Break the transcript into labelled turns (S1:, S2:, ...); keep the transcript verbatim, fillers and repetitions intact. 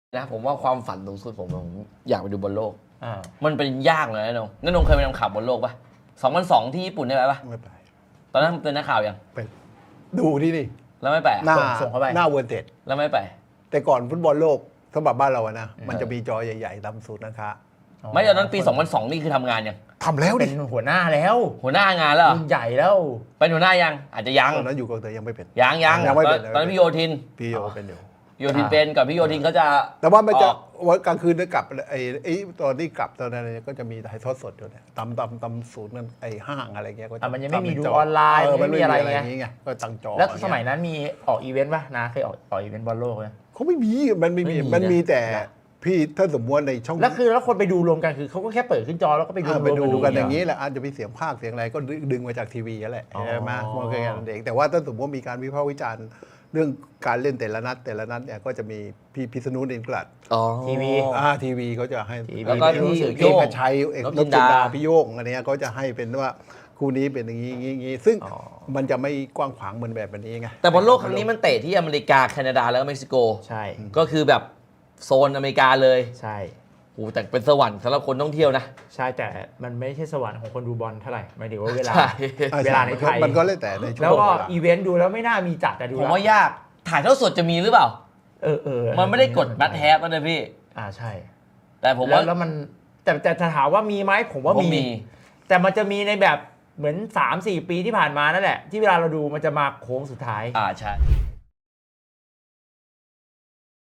S1: นะผมว่าความฝันสูงสุดผมผมอยากไปดูบอลโลก
S2: อ่า
S1: มันเป็นยากเลยนะนงนั่นนงเคยไปทำข่าวบอลโลกปะสองพันสองที่ญี่ปุ่นได้ไหมปะ
S3: ไม่ไป
S1: ตอนนั้นเป็นนักข่าวยัง
S3: ไปดูที่นี่
S1: แล้วไม่ไปอะ
S3: หน้า
S2: ส่งเข้าไป
S3: หน้าเวิร์เต็ด
S1: แล้วไม่ไป
S3: แต่ก่อนฟุตบอลโลกสำหรับบ้านเราอะนะ มันจะมีจอใหญ่ๆตามสูตรนะคะ
S1: ไม่ตอนนั้นปีสองพันสองนี่คือทำงานยัง
S3: ทำแล้ว
S2: เป็
S3: ดิ
S2: นหัวหน้าแล้ว
S1: หัวหน้างานแล้วเหรอ
S2: รุ่นใหญ่แล้ว
S1: เป็นหัวหน้ายังอาจจะยัง
S3: ตอนนั้นอยู่กองเตยยังไม่เป็น
S1: ยังยัง
S3: ยังไม่เป็น
S1: ตอนนั้นพี่โยธิน
S3: พี่โยเป็นอยู่
S1: โยธินเป็นก่อนพี่โยธินเขาจะ
S3: แต่ว่ามันจะ
S1: ออก
S3: วันกลางคืนจะกลับไอ้ไอ้ตอนที่กลับตอนนั้นก็จะมีถ่ายทอดสดอยู่เนี่ยตำตำตำศูนย์นั่นไอ้ห้างอะไรเงี้ยก็จะ
S2: อ่ะมันยังไม่มี
S3: ทำเป็
S2: ดู
S3: จ
S2: ออนไลน์
S3: เ
S2: ไม่มีอะไร
S3: อย่าง
S2: ไง
S3: งี้ไงก็ตั้งจอ
S2: แล้วสมัยนั้นมีออกอีเวนต์ป่ะนะเคยออกออกอีเวนต์บอลโลกไหม
S3: เขาไม่มีมันไม่มี
S2: ไม่มี
S3: มันมี
S2: นะ
S3: แต่พี่ถ้าสมมติในช่อง
S2: แล้วคือแล้วคนไปดูรวมกันคือเขาก็แค่เปิดขึ้นจอแล้วก็ไปดู
S3: อ่าร ไป
S2: วม
S3: ดูกันอย่าง
S2: นี้
S3: นี้แหละอาจจะมีเสียงภาคเสียงอะไรก็ดึงมาจากทีวีนั่นแหละ
S2: อ๋อ
S3: ใช่ไหมมันก็แค่นั้นเองแต่ว่าถ้าสมมติว่ามีการวิพากษ์วิจารณ์เรื่องการเล่นแต่ละนัดแต่ละนัดเนี่ยก็จะมีพี่พิษณุเดนกลัด
S1: อ๋อ
S2: ทีวี
S3: อ่าทีวีเขาจะให้
S2: ทีวี
S1: แล้วก็พี่
S3: เอ
S1: โย่
S3: ก
S1: ง
S3: ชัยเอก
S1: น
S3: น
S1: พ
S3: พ
S1: จิ
S3: จิ
S1: น
S3: น
S1: ดา
S3: ดาพี่โยงอันเนี้ยก็จะให้เป็นว่าคู่นี้เป็นอย่างนี้อย่างนี้อย่างนี้ซึ่ง
S2: อ๋อ
S3: มันจะไม่กว้างขวางเหมือนแบบนี้ไง
S1: แต่บอลโลกครั้งนี้มันเตะที่อเมริกาแคนาดาแล้วก็เม็กซิโก
S2: ใช่
S1: ก็คือแบบโซนอเมริกาเลย
S2: ใช่
S1: โอ้แต่เป็นสวรรค์สำหรับคนท่องเที่ยวนะ
S2: ใช่แต่มันไม่ใช่สวรรค์ของคนดูบอลเท่าไหร่หมายถึงว่าเวลา
S1: ใช่
S3: อ่
S2: เวลาในไทย
S3: มันก็เลยแต่ในช่วง
S2: แล้วก็
S3: เวลา
S2: อีเวนต์ดูแล้วไม่น่ามีจัดแต่ดู
S1: ผม
S2: แล้ว
S1: ว่ายากถ่ายเท่าสดจะมีหรือเปล่า
S2: เออเออ
S1: มันไม่ได้กดบัตแฮปนะพี่
S2: อ่าใช่
S1: แต่ผม
S2: แล้
S1: ว่า
S2: วแล้วมันแต่แต่จะถามว่ามีไหมผมว่า
S1: ผม
S2: มี
S1: มี
S2: แต่มันจะมีในแบบเหมือน สามสี่ ปีที่ผ่านมานั่นแหละ ที่เวลาเราดูมันจะมาโค้งสุดท้าย
S1: อ่าใช่